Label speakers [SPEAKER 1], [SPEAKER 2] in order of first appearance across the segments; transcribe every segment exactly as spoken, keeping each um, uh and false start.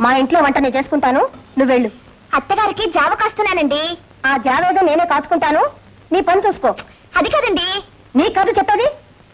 [SPEAKER 1] మా ఇంట్లో వంట నేను చేసుకుంటాను, నువ్వు వెళ్ళు. అత్తగారికి జావ కాస్తున్నానండి. ఆ జావ ఏదో నేనే కాచుకుంటాను, నీ పని చూసుకో. అది కాదండి. నీ కాదు చెప్పేది.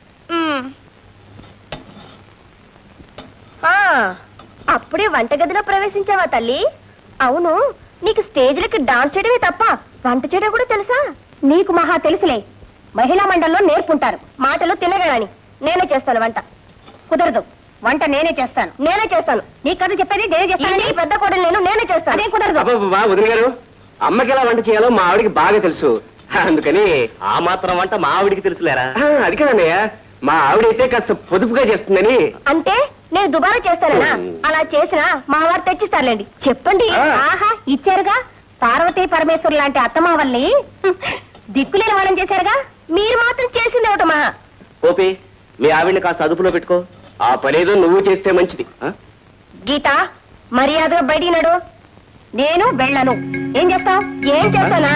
[SPEAKER 1] అప్పుడే వంటగదిలో ప్రవేశించావా తల్లి? అవును, నీకు స్టేజ్లకి డాన్స్ చేయడమే తప్ప వంట చేయడం కూడా తెలుసా? నీకు మహా తెలుసులే. మహిళా మండలిలో నేర్పుంటారు మాటలు తినగాని. నేనే చేస్తాను వంట. కుదరదు, వంట నేనే చేస్తాను. నేనే చేస్తాను. నీ కథ చెప్పేది నేనే చేస్తాను. పెద్ద కోడలు నేను నేనే చేస్తాను. అదే కుదరదు.
[SPEAKER 2] వదిన గారు, అమ్మకి ఎలా వంట చేయాలో మా ఆవిడికి బాగా తెలుసు, అందుకని ఆ మాత్రం వంట మా ఆవిడికి తెలుసులేరా? అది కదన్నయ్య, మా ఆవిడైతే కాస్త పొదుపుగా చేస్తుందని.
[SPEAKER 1] అంటే నేను దుబారా చేస్తానా? అలా చేసినా మా వారు తెచ్చిస్తారులేండి. చెప్పండి. ఆహా, ఇచ్చారుగా. పార్వతీ పరమేశ్వరు లాంటి అత్తమావల్ని దిక్కులేని వాళ్ళని చేశారుగా. మీరు మాత్రం చేసింది ఒకటి మహా.
[SPEAKER 2] ఓపి, మీ ఆవిడ్ని కాస్త అదుపులో పెట్టుకో. ఆ పనేదో నువ్వు చేస్తే మంచిది.
[SPEAKER 1] గీత, మర్యాదగా బయటికి నడు. నేను వెళ్ళను. ఏం చేస్తావు? ఏం చేస్తానా?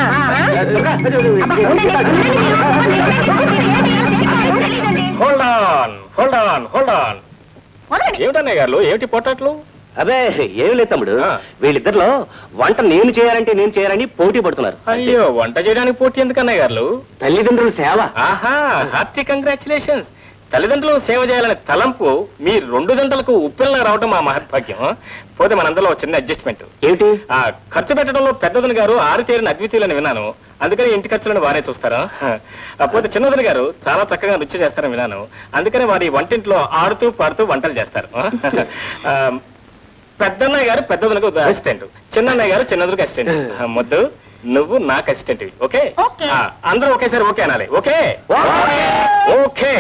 [SPEAKER 3] ఏమిటన్నయ్య గారు, ఏమిటి పొట్టట్లు?
[SPEAKER 2] అదే ఏమి లేదు తమ్ముడు, వీళ్ళిద్దరిలో వంట నేను చేయాలంటే నేను చేయాలని పోటీ పడుతున్నారు.
[SPEAKER 3] అయ్యో, వంట చేయడానికి పోటీ ఎందుకన్నయ్య గారు?
[SPEAKER 2] తల్లిదండ్రుల సేవ.
[SPEAKER 3] ఆహా, హార్టీ కంగ్రాచులేషన్స్. తల్లిదండ్రులు సేవ చేయాలనే తలంపు మీ రెండు గంటలకు ఉప్పిల్లా రావడం మా మహత్భాగ్యం. పోతే మనందరిలో చిన్న అడ్జస్ట్మెంట్.
[SPEAKER 2] ఏమిటి?
[SPEAKER 3] ఆ ఖర్చు పెట్టడంలో పెద్దదని గారు ఆరితేరిన అద్వితీయులని విన్నాను, అందుకని ఇంటి ఖర్చులను వారే చూస్తారా? పోతే చిన్నదని గారు చాలా చక్కగా రుచి చేస్తారని విన్నాను, అందుకని వారి వంటింట్లో ఆడుతూ పాడుతూ వంటలు చేస్తారు. పెద్దన్నయ్య గారు పెద్దదనకు అసిస్టెంట్, చిన్నన్నయ్య గారు చిన్నదనకు అసిస్టెంట్. ముద్దు, నువ్వు నాకు అసిస్టెంట్. ఓకే? అందరూ ఒకేసారి ఓకే అనాలి. Okay okay.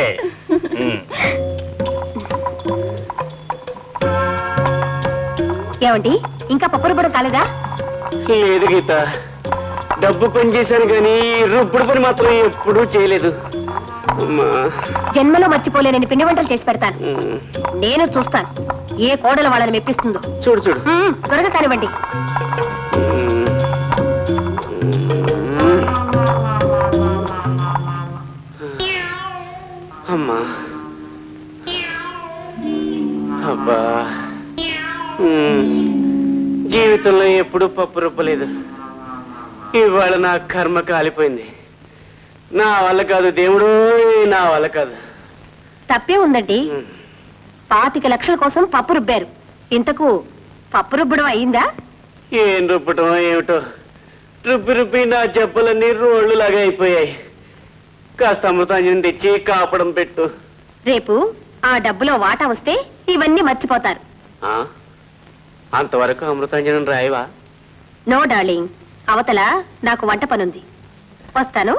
[SPEAKER 1] ఏమండి, ఇంకా పప్పురు కూడా కాలేదా?
[SPEAKER 2] లేదు గీత, డబ్బు పని చేశాను కానీ రుప్పుడు పని మాత్రం ఎప్పుడూ చేయలేదు.
[SPEAKER 1] జన్మలో మర్చిపోలేనని పిండి వంటలు చేసి పెడతాను. నేను చూస్తాను ఏ కోడలు వాళ్ళని మెప్పిస్తుందో.
[SPEAKER 2] చూడు చూడు,
[SPEAKER 1] త్వరగా కానివ్వండి.
[SPEAKER 2] అమ్మా, అబ్బా, జీవితంలో ఎప్పుడూ పప్పు రుబ్బలేదు. ఇవాళ నా కర్మ కాలిపోయింది. నా వల్ల కాదు దేవుడు, నా వల్ల కాదు.
[SPEAKER 1] తప్పే ఉందండి. పాతిక లక్షల కోసం పప్పు రుబ్బారు. ఇంతకు పప్పు రుబ్బడం అయిందా?
[SPEAKER 2] ఏం రుబ్బటం ఏమిటో, రుబ్బి రుబ్బి నా జబ్బలన్నీ రోళ్లు లాగా అయిపోయాయి. కాస్త అమృతాంజనం తెచ్చి కాపడం పెట్టు.
[SPEAKER 1] రేపు ఆ డబ్బులో వాటా వస్తే ఇవన్నీ మర్చిపోతారు.
[SPEAKER 2] అంతవరకు అమృతాంజనం రాయవా?
[SPEAKER 1] నో డార్లింగ్, అవతల నాకు వంట పనుంది. వస్తాను.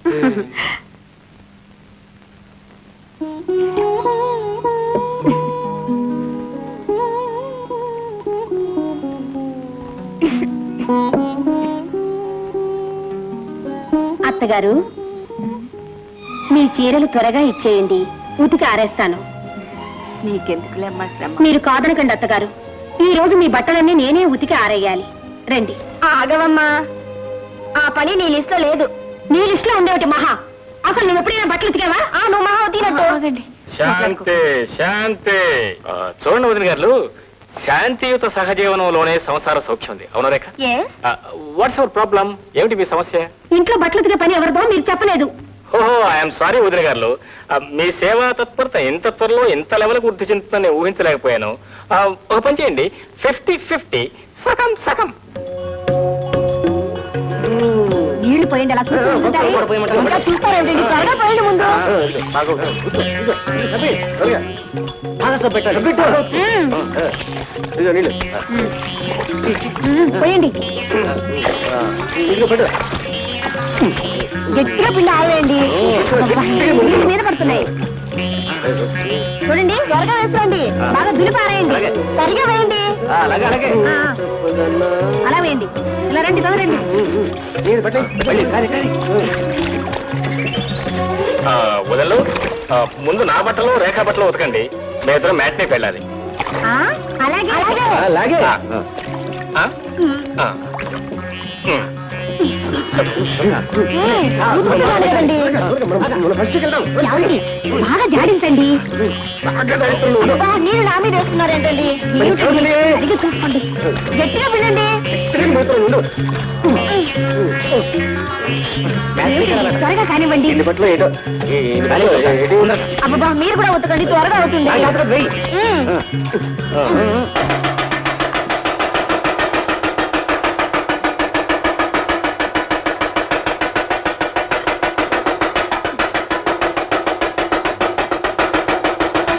[SPEAKER 1] అత్తగారు, మీ చీరలు త్వరగా ఇచ్చేయండి, ఉతికి ఆరేస్తాను.
[SPEAKER 4] నీకెందుకులేమ్మా శ్రమ.
[SPEAKER 1] మీరు కాదనకండి అత్తగారు, ఈ రోజు మీ బట్టలన్నీ నేనే ఉతికి ఆరేయాలి. రండి. ఆగవమ్మా, ఆ పని నీ లిస్ట్ లో లేదు. నీ లిస్ట్ లో ఉండేటి మహా. అసలు నువ్వు ఎప్పుడైనా బట్టలు ఉతికావా? నువ్వు మహా ఉతికినట్టు.
[SPEAKER 3] శాంతి శాంతి. చూడండి వదిన గారు, శాంతియుత సహజీవనంలోనే సంసార సౌఖ్యం ఉంది. అవును రేఖ? What's your problem? ఏమిటి మీ సమస్య?
[SPEAKER 1] ఇంట్లో బట్టలు ఉతికే పని ఎవరిదో మీరు చెప్పలేదు.
[SPEAKER 3] ఓహో, ఐఎమ్ సారీ వదిన గారు, మీ సేవా తత్పరత ఇంత త్వరలో ఇంత లెవెల్ వృద్ధి చెందుతుందని ఊహించలేకపోయాను. ఒక పని చేయండి, ఫిఫ్టీ ఫిఫ్టీ, సగం సగం.
[SPEAKER 1] నీళ్లు పోయండి. అలా చూస్తారండి, త్వరగా పోయండి ముందు. పోయండి, గట్టిగా పిండి ఆవేయండి. మీద పడుతున్నాయి చూడండి. త్వరగా వేసుకోండి, బాగా దులిపారేయండి, సరిగా వేయండి. అలా వేయండి. ఇలా రండి, తొందరండి.
[SPEAKER 3] వదలు, ముందు నా బట్టలు రేఖా బట్టలు ఉతకండి. మీ ఇద్దరు మ్యాట్నేకి వెళ్ళాలి.
[SPEAKER 1] అలాగే అలాగే. ఊరుకుంటున్నాను కదండి. ఏమండి? బాగా జాడించండి. అబ్బా, నీళ్ళు నా మీద వేస్తున్నారేంటండి? ఏమిటండి? సరిగ్గా చూసుకోండి. గట్టిగా వినండి. త్వరగా కానివ్వండి. అబ్బా, మీరు కూడా ఉతకండి, త్వరగా అవుతుంది. ఉమ్.